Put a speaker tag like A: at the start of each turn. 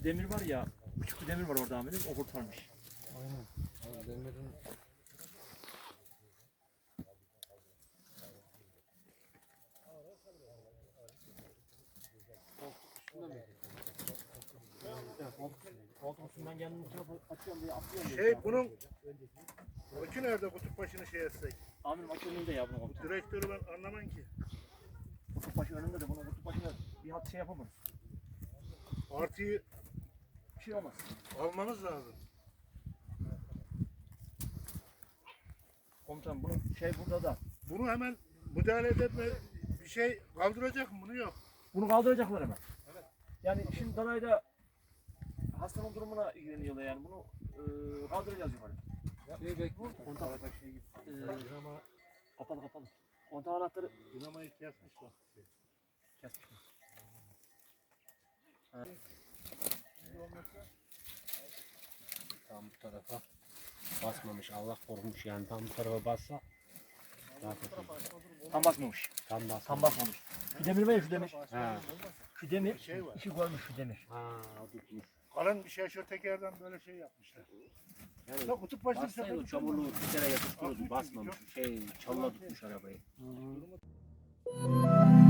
A: demir var ya, küçük bir demir var orada amirim, o kurtarmış.
B: Aynen. Abi demirin
A: Koltuk üstünden kendimi açıyorum diye atlıyorum.
C: Bunun akü nerede, kutup başını şey etsek?
A: Amirim akü önünde ya bunun koltuk.
C: Direktörü ben anlamam ki.
A: Kutup başı önünde de bunun kutup başına bir hat şey yapamaz.
C: Artıyı
A: Bir şey olmaz.
C: almamız lazım.
A: Komutanım bunun şey burada da.
C: Bunu hemen müdahale etme, bir şey kaldıracak mı? Bunu yok.
A: Bunu kaldıracaklar hemen. Evet. Yani şimdi Danay'da hastanın durumuna ilgileniyorlar yani bunu kaldıracağız yukarı.
B: şey bekle.
A: Kontak şey gibi. Kapalı kapalı. Kontak anahtarı
C: Dinamayı kesmişler.
A: kesmiş mi?
D: Tam bu tarafa basmamış. Allah korumuş yani. Tam bu tarafa bassa daha kötü.
A: Tam basmamış.
D: Tam basmamış.
A: Tam basmamış. Şu demir var ya şu demir.
D: Ha.
A: Şu demir.
C: Şey var.
A: İşi görmüş şu demir.
D: Ha, o tutmuş.
C: Kalın bir şey, şu tekerden böyle şey yapmışlar.
D: Yani
C: Ya kutup başını
D: bassaydı o çamurluğu bir kere yapıştırıyordu. Basmamış. Çalıla tutmuş arabayı.
A: Hı.